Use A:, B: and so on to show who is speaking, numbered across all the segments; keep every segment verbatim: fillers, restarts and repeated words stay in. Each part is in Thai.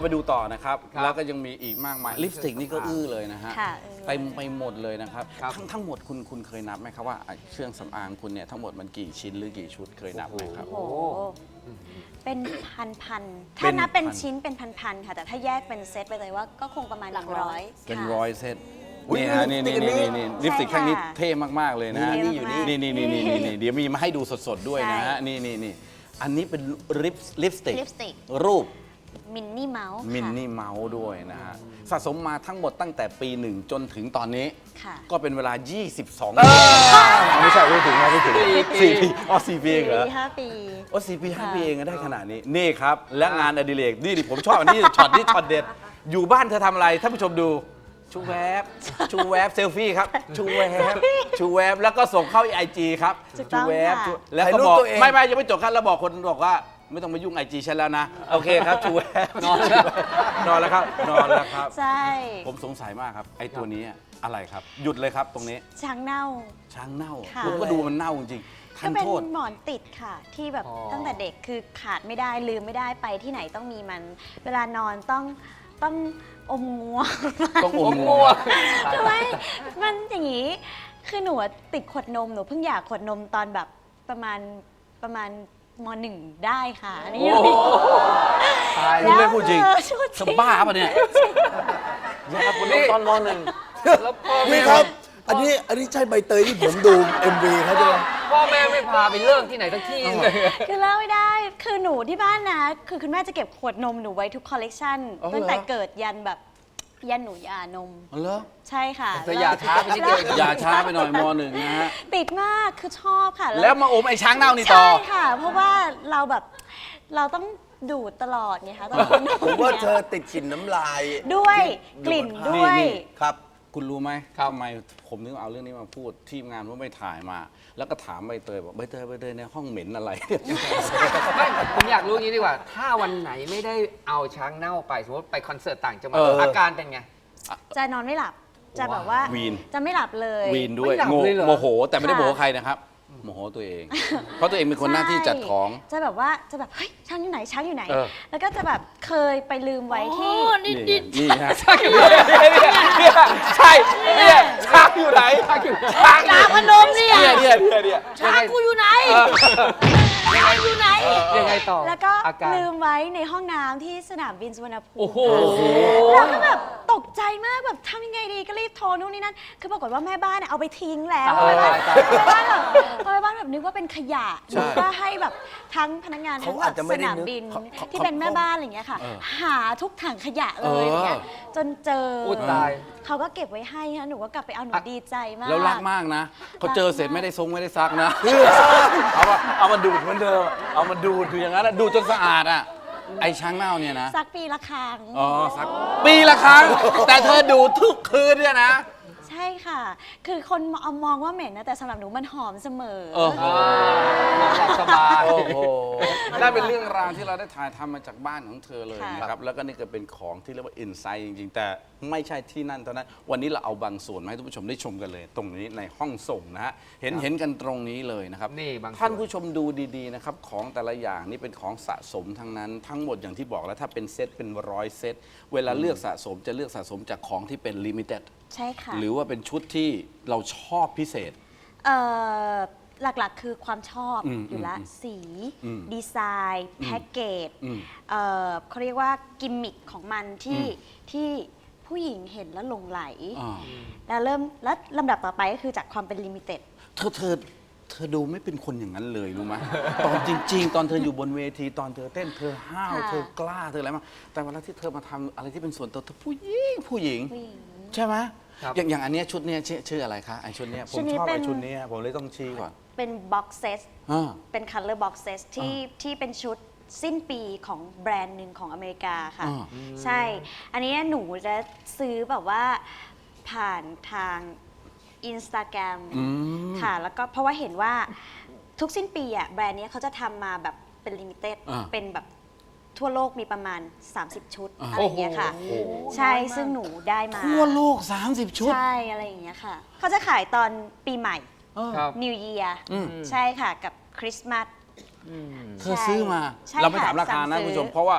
A: ไปดูต่อนะครับแล้วก็ยังมีอีกมากมายลิปสติกนี่ก็อื้อเลยนะฮะเต็มไปหมดเลยนะครับทั้งทั้งหมดคุณคุณเคยนับไหมครับว่าเครื่องสำอางคุณเนี่ยทั้งหมดมันกี่ชิ้นหรือกี่ชุดเคยนับไหมครับ
B: โอ้โหเป็นพันๆถ้านับเป็นชิ้นเป็นพันๆค่ะแต่ถ้าแยกเป็นเซตไปเลยว่าก็คงประมาณหลักร้อย
A: เป็นร้อยเซตนี่ฮะนี่นี่นี่นี่ลิปสติกข้างนี้เท่มากๆเลยนะฮะนี่อยู่นี่นี่นี่นี่นี่นี่เดี๋ยวมีมาให้ดูสดๆด้วยนะฮะนี่นี่นี่อันนี้เป็นลิปลิปสติกรูป
B: มินนี่เมาส์
A: มินนี่เมาส์ด้วยนะฮะสะสมมาทั้งหมดตั้งแต่ปีหนึ่งจนถึงตอนนี้ก็เป็นเวลา ยี่สิบสอง ปีไม่ใช่ไม่ถึงไม่ถึงสี่ปีอ๋อสี่ปีเองเหรอ
B: ห้าปี
A: อ๋อสี่ปีห้าปีเองได้ขนาดนี้นี่ครับและงานอดิเรกนี่ดิผมชอบอันนี้ช็อตนี้ช็อตเด็ดอยู่บ้านเธอทำอะไรท่านผู้ชมดูชูแวบชูแวบเซลฟี่ครับชูแวบชูแวบแล้วก็ส่งเข้าไอจีครับชูแวบแล้วก็บอกไม่ไม่ยังไม่จบครับแล้วบอกคนบอกว่าไม่ต้องมายุ่งไอจีฉันแล้วนะโอเคครับชูแวบนอนแล้วนอนแล้วครับนอนแล้วครับ
B: ใช่
A: ผมสงสัยมากครับไอตัวนี้อะไรครับหยุดเลยครับตรงนี้
B: ช้างเน่า
A: ช้างเน่าผมก็ดูมันเน่าจริงๆ
B: ก็เป็นหมอนติดค่ะที่แบบตั้งแต่เด็กคือขาดไม่ได้ลืมไม่ได้ไปที่ไหนต้องมีมันเวลานอนต้องต้องอมงัว
A: ต้องอมงัว
B: ทำไมมันอย่างนี้คือหนูติดขวดนมหนูเพิ่งอยากขวดนมตอนแบบประมาณประมาณมหนึ่งได้ค่ะนี่
A: ตายเรื่องพูดจริงสบ้าป่ะเนี่ยอยากขวดนมตอนมหนึ่ง
C: นี่ครับอันนี้อันนี้ใช่ใบเตยที่ผมดู เอ็ม วี เขาใช่ไหม
D: พ่อแม่ไม่พาไปเลิกที่ไหนสักที่เลย
B: คือเล่าไม่ได้คือหนูที่บ้านนะคือคุณแม่จะเก็บขวดนมหนูไว้ทุกคอลเลกชันตั้งแต่เกิดยันแบบยันหนูยานม
A: เหรอ
B: ใช่ค่ะ
D: แต่อย่าช้าไปนิดเดียว
A: อย่าช้าไปหน่อยมหนึ่งนะฮะ
B: ติดมากคือชอบค่ะ
A: แล้วมาอมไอ้ช้างเน่านี่ต่อ
B: ใช่ค่ะเพราะว่าเราแบบเราต้องดูดตลอดไงคะตอน
C: ผมว่าเธอติดกลิ่นน้ำลาย
B: ด้วยกลิ่นด้วย
A: ครับคุณรู้ไหมทำไมผมถึงเอาเรื่องนี้มาพูดทีมงานว่าไม่ถ่ายมาแล้วก็ถามใบเตยบอกใบเตยใบเตยในห้องเหม็นอะไร
D: ไม่ผมอยากรู้อย่างนี้ดีกว่าถ้าวันไหนไม่ได้เอาช้างเน่าไปสมมติไปคอนเสิร์ตต่างจังหวัดอาการเป็นไง
B: จะนอนไม่หลับจะแบบว่า
A: วีน
B: จะไม่หลับเลย
A: วีนด้วยโมโหแต่ไม่ได้โมโหใครนะครับโมโหตัวเอง เพราะตัวเองเป็นคนหน้าที่จัดของ
B: จะแบบว่าจะแบบเฮ้ยช้างอยู่ไหนช้างอยู่ไหนแล้วก็จะแบบเคยไปลืมไว้ที่
A: นี่นี่ฮะช้างอยู่ไหนใช่เนี่ยช้างอยู่ไหนช้างอยู่
B: ช้างช้างพนมเนี่ย
A: เนี่ยเนี่ยเนี่ย
B: ช้างกูอยู่ไหนช้างอยู่ไหน
D: ยังไงต่อ
B: แล้วก็ลืมไว้ในห้องน้ำที่สนามบินสุวรรณภูมิ
D: โอ้โห
B: แล้วก็แบบตกใจมากแบบทำยังไงดีก็รีบโทรนู่นนี่นั่นคือปรากฏว่าแม่บ้านเอาไปทิ้งแล้วแม่บ้านแม่บ้านแบบแม่บ้านแบบนึกว่าเป็นขยะหรือว่าให้แบบทั้งพนักงานทั้งแบบสนามบินที่เป็นแม่บ้านอะไรอย่างเงี้ยค่ะหาทุกถังขยะเลยอย่างเงี้ยจนเจอเขาก็เก็บไว้ให้นะหนูก็กลับไปเอาหนูดีใจมาก
A: แล้วรักมากนะเขาเจอเสร็จไม่ได้ซงไม่ได้ซักนะเอามาเอามาดูดเหมือนเดิมเอามาดูดอยู่อย่างนั้นดูจนสะอาดอ่ะไอ้ช้างเน่าเนี่ยนะ
B: ซักปีละครั้ง
A: อ๋อซักปีละครั้งแต่เธอดูทุกคืนเนี่ยนะ
B: ใช่ค่ะคือคนมองว่าเหม็นนะแต่สำหรับหนูมันหอมเสมอ
A: โอ้โหสบายโอ้โหได้เป็นเรื่องราวที่เราได้ถ่ายทำมาจากบ้านของเธอเลยนะครับแล้วก็นี่ก็เป็นของที่เรียกว่าอินไซต์จริงๆแต่ไม่ใช่ที่นั่นเท่านั้นวันนี้เราเอาบางส่วนมาให้ทุกผู้ชมได้ชมกันเลยตรงนี้ในห้องส่งนะฮะเห็นเห็นกันตรงนี้เลยนะครับ
D: นี่บาง
A: ท่านผู้ชมดูดีๆนะครับของแต่ละอย่างนี่เป็นของสะสมทั้งนั้นทั้งหมดอย่างที่บอกแล้วถ้าเป็นเซตเป็นร้อยเซตเวลาเลือกสะสมจะเลือกสะสมจากของที่เป็นลิมิเต็ด
B: ใช่ค่ะ
A: หรือว่าเป็นชุดที่เราชอบพิเศษ
B: เอ่อหลักๆคือความชอบอยู่ละสีดีไซน์แพ็กเกจเอ่อเขาเรียกว่ากิมมิคของมันที่ที่ผู้หญิงเห็นแล้วหลงไหลแล้วเริ่มแล้วลำดับต่อไปก็คือจากความเป็นลิมิเต็ด
A: เธอเธอเธอดูไม่เป็นคนอย่างนั้นเลยรู้ไหมตอนจริงๆตอนเธออยู่บนเวทีตอนเธอเต้นเธอห้าวเธอกล้าเธออะไรมาแต่เวลาที่เธอมาทำอะไรที่เป็นส่วนตัวเธอผู้หญิงผู้หญิงใช่ไหมอย่างอย่างอันนี้ชุดเนี้ยชื่ออะไรคะไอชุดเนี้ยผมชอบไอชุดนี้ผมเลยต้องชี้ก่อน
B: เป็นบ็อกเซสเป็นคัลเลอร์บ็อกเซสที่ที่เป็นชุดสิ้นปีของแบรนด์หนึ่งของอเมริกาค่ะใช่อันนี้หนูจะซื้อแบบว่าผ่านทางอินสตาแกรมค่ะแล้วก็เพราะว่าเห็นว่าทุกสิ้นปีอ่ะแบรนด์นี้เขาจะทำมาแบบเป็นลิมิเต็ดเป็นแบบทั่วโลกมีประมาณสามสิบชุดอะไรอย่างเงี้ยค่ะใช่ซึ่งหนูได้มา
A: ทั่วโลกสามสิบชุด
B: ใช่อะไรอย่างเงี้ยค่ะเขาจะขายตอนปีใหม่ New Year ใช่ค่ะกับคริสต์มาส
A: เธอซื้อมาเราไม่ถามราคานะคุณผู้ชมเพราะว่า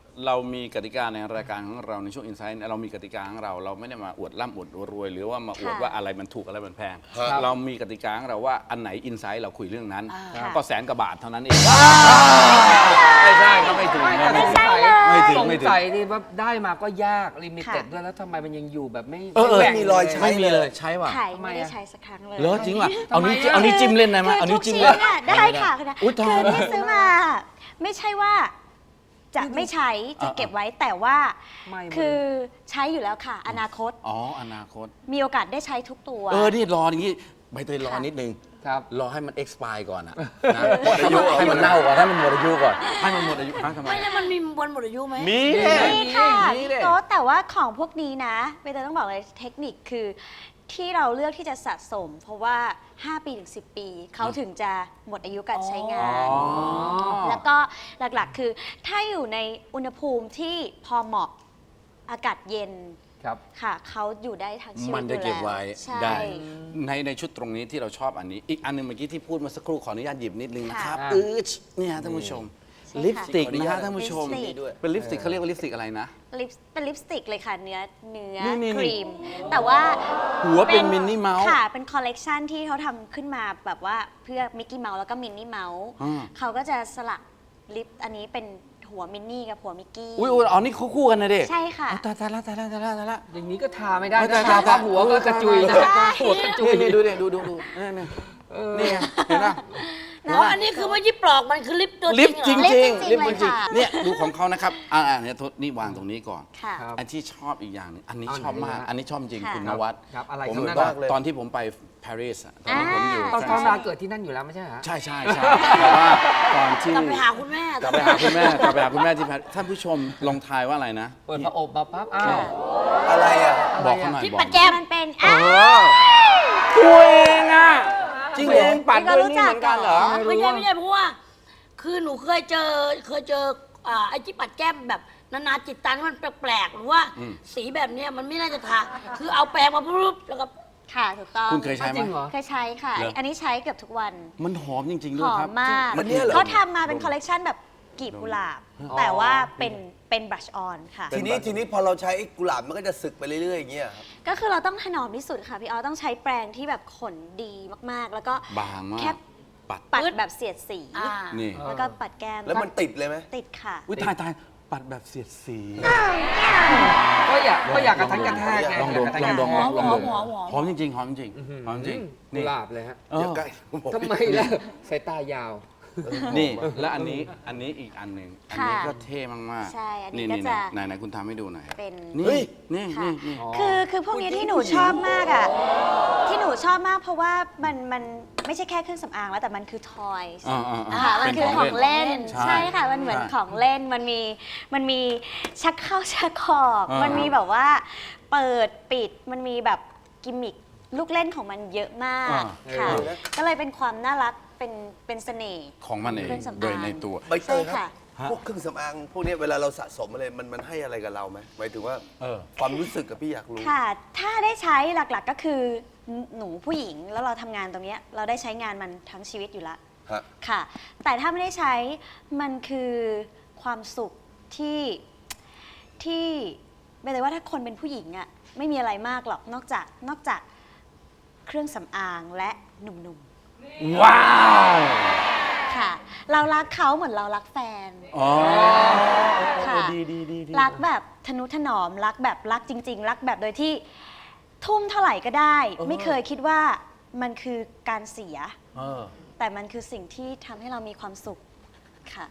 A: เรามีกติกาในรายการของเราในช่วงอินไซต์เรามีกติกาของเราเราไม่ได้มาอวดร่ำอวดรวย หรือว่ามาอวด
B: ค่ะ
A: ว่าอะไรมันถูกอะไรมันแพง
C: ครับ
A: เรามีกติกาของเราว่าอันไหนอินไซต์เราคุยเรื่องนั้น
B: ค่ะ
A: ก็แสนกว่าบาทเท่านั้นเองไม่ใช่ก็ไม่ถึง
D: ไม่
A: นะ
D: แต่
A: ไม่
D: ส
A: ถึ
D: ง
A: ง
D: สัย
A: ไม่ถึง
D: สง
A: ไม่ถึง
D: สัยที่ว่าได้มาก็ยากลิมิเต็ด
B: ค่ะ
D: ด้วยแล้วทำไมมันยังอยู่แบบไม่
A: เออเออ
D: แหว่ง
C: มีรอยใช้
A: ไม่มีเลยใช่ป่ะ
B: ไข่
D: ทำไม
B: ไม่ได้
D: อะ
B: ใช้สักครั้งเลย
A: เหรอจริงป่ะ
D: ทำไม
A: เอานี้วเอานี้วจิ้มเล่นได้ไหม
B: คือ
A: เอานี้ว
B: ทุก
A: จิ้ม
B: ชิ้
A: เล่
B: น
A: น
B: น่ะได้ค่ะคุณนะ
A: อุ๊ยตาย
B: คือที่ซื้อมาไม่ใช่ว่าจะไม่ใช้จะเก็บไว้แต่ว่า
D: ไม่หมด
B: คือใช้อยู่แล้วค่ะ อนาคต
A: อ๋ออนาคต
B: มีโอกาสได้ใช้ทุกตัว
A: เออ นี่รออย่างนี้ใบเตยรอ
B: ค่ะ
A: นิดนึง
D: ครับ
A: รอให้มัน expire ก่อนอะนะหมดอายุให้มันเน่าก่อนให้มันหมดอายุก่อน ให้มันหมดอายุฮะทำไม
E: ไม่แล้วมันมีวันหมดอายุไหม
A: มี
B: นี่ค่ะ
A: มีเลย
B: โต๊ะแต่ว่าของพวกนี้นะเบเตยต้องบอกเลยเทคนิคคือที่เราเลือกที่จะสะสม เพราะว่า ห้า ปีถึง สิบ ปีเขาถึงจะหมดอายุการใช้งาน
A: อ๋อ
B: แล้วก็หลักๆ คือถ้าอยู่ในอุณหภูมิที่พอเหมาะอากาศเย็น
D: ครับ
B: ค่ะเขาอยู่ได้ทั้งชีวิต
A: มันจะเก็บไว้
B: ใช่
A: ได้ ในในชุดตรงนี้ที่เราชอบอันนี้ อีกอันหนึงเมื่อกี้ที่พูดเมาสักครู่ขออนุญาตหยิบนิดนึงนะครับ
D: ค่ะ
A: อือเนี่ยท่านผู้ชม
B: ใช่ค่ะ
A: ลิปสติก
C: ขออนุ
A: นะ
C: ญา
A: ฮะ
C: ต
A: ท่านผู้ชม
B: ลิปสติก
A: เป็นลิปสติกเขาเรียกว่าลิปสติกอะไรนะ
B: ลิปเป็นลิปสติกเลยค่ะ เนื้อเนื้อ
A: นี่นี่
B: ครีม แต่ว่า
A: หัวเป็นมินนี่เมาส์
B: ค่ะ เป็นคอลเลกชันที่เขาทำขึ้นมาแบบว่าเพื่อมิกกี้เมาส์แล้วก็มินนี่เมาส์
A: อ่า
B: เขาก็จะสลักลิปอันนี้เป็นหัวมินนี่กับหัวมิกกี้
A: อุ้ยอุ๊ยอ๋อนี่คู่ๆกันนะเด็ก
B: ใช่ค่ะ
A: ตายตายละตายละตายละตายละ
D: อย่างนี้ก็ทาไม่ได้
A: ไม่
D: นะ
A: ได้
D: ทา
A: ตาย
D: หัวก็กระจุยนะ
B: ใช่
D: หัวกระจุย
A: นี่นี่ดูดิดูดูดูนี่นี่นี่ไงเห็นปะ
E: อ๋ออันนี้คือไม่ใช่ปลอกมันคือลิปตัว
A: ลิป
E: จ
A: จ
E: ริ
A: ริ
E: ง
A: ง
E: เหรอ
A: จริง
B: ลิ
A: ลิ
B: ป
A: ป
B: จ
A: จ
B: ริ
A: ริ
B: ง
A: ง
B: ๆค่ะ
A: เนี่ยดูของเขานะครับอ่าอ่าเนี่ยโทษนี่วางตรงนี้ก่อน
B: ค่ะ
D: ครับ
A: อันที่ชอบอีกอย่างหนึงอันนี้
D: เอา
A: ชอบ
D: ไหน
A: มาก
D: ฮะ
A: อันนี้ชอบจริง
B: ค่ะ
A: คุณนวัด
D: ครับอะไร
A: ผม
D: ครับ
A: ตอน
C: มากเลย
A: ตอนที่ผมไปปารีสอะตอนนั้นผมอยู่
D: ตอน
A: ฝ
D: ตอ
A: รั่
D: น
A: ง
D: นา
A: เศส
D: เกิดที่นั่นอยู่แล้วไม่ใช่เหรอ
A: ใช่ใช่ใช่แต่ว่าตอนที่
E: กลับไปหาคุณแม่
A: กลับไปหาคุณแม่กลับไปหาคุณแม่ที่ปารีสท่านผู้ชมลองทายว่าอะไรนะ
D: เปิดพระอบมาปั๊บอ้าว
C: อะไรอ่ะ
A: บอกเขาหน่อย
E: ที่
A: บอก
E: ปัดแก้ม
B: มันเป็น
A: เอ
B: อ่ะ
A: อตัวเองอ่ะจริงเองปัดด้วยนี่เหมือนกันเหรอ
E: ไม่ใช่ไม่ใช่เพราะว่า คือหนูเคยเจอเคยเจออ่าไอ้ที่ปัดแก้มแบบนานาจิตตังที่มันแปลกๆหรือว่า
A: อืม
E: สีแบบเนี้ยมันไม่น่าจะทาคือเอาแปรงมาปุ๊บแล้วก็
B: ค่ะถูกต้อง
A: คุณเคยใช้ไหม
D: จริงเหรอ
B: เคยใช้ค่ะ
A: เหรอ
B: อันนี้ใช้เกือบทุกวัน
A: มันหอมจริง ๆ
B: ห
A: ด้วย
B: อ
A: ครับ
B: มมาก
C: อันเนี้ยเหรอ
B: เขาทำมาเป็นคอลเลกชันแบบกลีบกุหลาบ
D: อ๋อ
B: แต่ว่าเป็นเป็นบลัชออนค่ะ
C: ทีนี้ทีนี้พอเราใช้กุหลาบมันก็จะสึกไปเรื่อยๆอย่างเงี้ยครับ
B: ก็คือเราต้องถนอมที่สุดค่ะ พี่ออต้องใช้แปรงที่แบบขนดีมากๆ แล้วก็
A: บางมาก
B: แค่
A: ปัด
B: ปัด
E: ปึ๊ด
B: แบบเสียดสี
E: อ่า
A: นี่
B: แล้วก็ปัดแก้ม
C: แล้วมันติดเลยไหม
B: ติดค่ะ
A: อุ้ยตายตายปัดแบบเสียดสี
D: ก็อยากก็อยากกระทันกระแทกไง
A: ลองดม
D: ยากกระ
A: ล
D: ทั
A: อน ง
D: ก
A: ด
D: ระ
A: ม
D: แทก
A: ลองดม
E: หอมหอม
A: หอมจริงๆหอมจริงหอมจริง
D: กุ
A: นี่
D: หลาบเลยฮะ
A: เออ
C: เดี๋ยวใกล้ผม
D: ทำไมล่ะสายตายาว
A: นี่และอันนี้อันนี้อีกอันหนึ่งอันนี้
B: ค่ะ
A: ก็เท่มากๆ
B: ใช่อันนี้
A: นี่
B: ก็
A: นี่
B: จะ
A: ไหนไหนคุณทำให้ดูหน่อย
B: เป็น
A: นี่นี่
B: ค่ะ
A: นี่นี่
B: คือคือพวกนี้ที่หนูชอบมากอ่ะ ที่หนูชอบมากเพราะว่ามันมันไม่ใช่แค่เครื่องสำอางแล้วแต่มันคือทอย
A: อ่าอ่าอ่า
B: ค่ะมันคือของเล่น
A: ใช่
B: ใช่ค่ะ มันเหมือน
A: ใช่
B: ของเล่น มันมี มันมีชักเข้าชักออก
A: อ่ามั
B: มันมีแบบว่าเปิดปิด มันมีแบบกิมมิคลูกเล่นของมันเยอะมาก
A: อ่า
B: ค่ะ
C: เออ
B: ก็เลยเป็นความน่ารัก เป็น เป็นเสน่ห์
A: ของมันเอง
B: เครื่องสำอาง
A: โดยในตัว
C: ใบเตยค
B: ใช่
C: รับ
B: ค่ะ
A: ฮะ
C: พวกเครื่องสำอางพวกเนี้ยเวลาเราสะสมอะไรมันมันให้อะไรกับเราไหมหมายถึงว่า
A: เออ
C: ความรู้สึกกับพี่อยากรู้
B: ค่ะ ถ้าได้ใช้หลักๆก็คือหนูผู้หญิงแล้วเราทำงานตรงเนี้ยเราได้ใช้งานมันทั้งชีวิตอยู่ละ
C: ฮะ
B: ค่ะ แต่ถ้าไม่ได้ใช้มันคือความสุขที่ที่ไม่เลยว่าถ้าคนเป็นผู้หญิงอะไม่มีอะไรมากหรอกนอกจากนอกจากเครื่องสำอางและหนุ่ม
A: ว้าว
B: ๆค่ะ เรารักเขาเหมือนเรารักแฟน
A: อ๋อ
B: ค่ะ
A: ดีดีดีดี
B: รักแบบทนุถนอมรักแบบรักจริง ๆ รักแบบโดยที่ทุ่มเท่าไหร่ก็ได้ ไม่เคยคิดว่ามันคือการเสีย
A: เออ
B: แต่มันคือสิ่งที่ทำให้เรามีความสุขค่ะ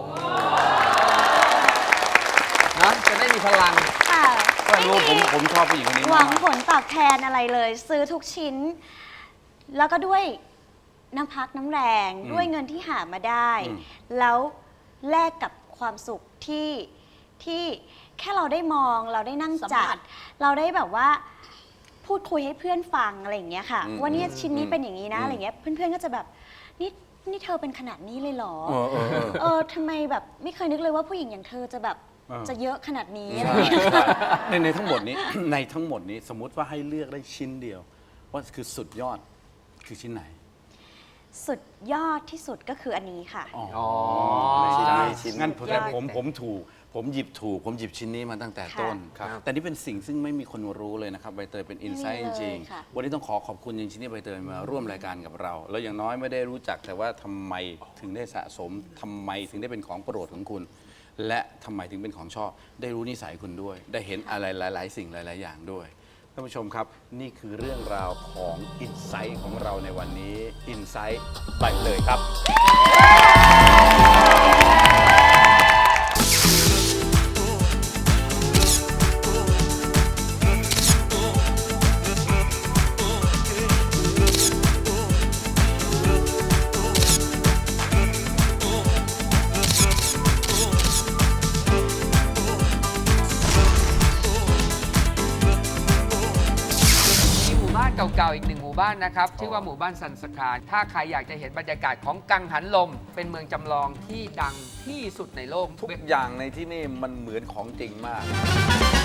D: นะจะได้มีพลัง
B: ค่ะ
A: ก็รู้ผมผมชอบผู้หญิงคนนี้
B: หวั
A: มาง ก
B: ผลตอบแทนอะไรเลย ซื้อทุกชิ้น แล้วก็ด้วยน้ำพักน้ำแรง
A: อืม
B: ด้วยเงินที่หามาได้
A: อืม
B: แล้วแลกกับความสุขที่ที่แค่เราได้มองเราได้นั่ง
E: สัม
B: จั
E: ผั
B: ด
E: ส
B: เราได้แบบว่าพูดคุยให้เพื่อนฟังอะไรอย่างเงี้ยค่ะ
A: อืม
B: ว่าเนี่ยชิ้นนี้
A: อืม
B: เป็นอย่างนี้นะ
A: อืม
B: อะไรเงี้ยเพื่อนๆก็จะแบบนี่นี่เธอเป็นขนาดนี้เลยเหรอ
A: เออเออเออ
B: เออทำไมแบบไม่เคยนึกเลยว่าผู้หญิงอย่างเธอจะแบบ
A: เออ
B: จะเยอะขนาดนี้
A: ใช่
B: อะไรอย่างเงี้ยค่ะ
A: ในในทั้งหมดนี้ ในทั้งหมดนี้สมมุติว่าให้เลือกได้ชิ้นเดียว ว่าคือสุดยอดคือชิ้นไหน
B: สุดยอดที่สุดก็คืออันนี้ค่ะ
A: อ๋อ
D: อ๋อ
C: ชิ้น
A: ได้
C: ชิ้น
A: งั้นผม
B: ยอด
A: ผมผมถูกผมหยิบถูก ผมหยิบชิ้นนี้มาตั้งแต่ต้น
D: ครับ
A: แต่นี่เป็นสิ่งซึ่งไม่มีคนรู้เลยนะครับใบเตยเป็นอินไซต์จ
B: ไม่มีเลย
A: ริง
B: ค่ะ
A: ๆวันนี้ต้องขอขอบคุณจริงๆที่ใบเตยมาร่วมรายการกับเรา แล้วอย่างน้อยไม่ได้รู้จักแต่ว่าทำไมถึงได้สะสมทำไมถึงได้เป็นของโปรดของคุณ และทำไมถึงเป็นของชอบ ได้รู้นิสัยคุณด้วย ได้เห็นอะไรหลาย ๆ สิ่งหลาย ๆ อย่างด้วยท่านผู้ชมครับ นี่คือเรื่องราวของอินไซต์ของเราในวันนี้อินไซต์ใบเตยครับ
D: มีหมู่บ้านเก่าๆ อีกหนึ่งหมู่บ้านนะครับ ชื่อว่าหมู่บ้านสันสคานถ้าใครอยากจะเห็นบรรยากาศของกังหันลม เป็นเมืองจำลองที่ดังที่สุดในโลก
A: ทุกอย่างในที่นี่มันเหมือนของจริงมาก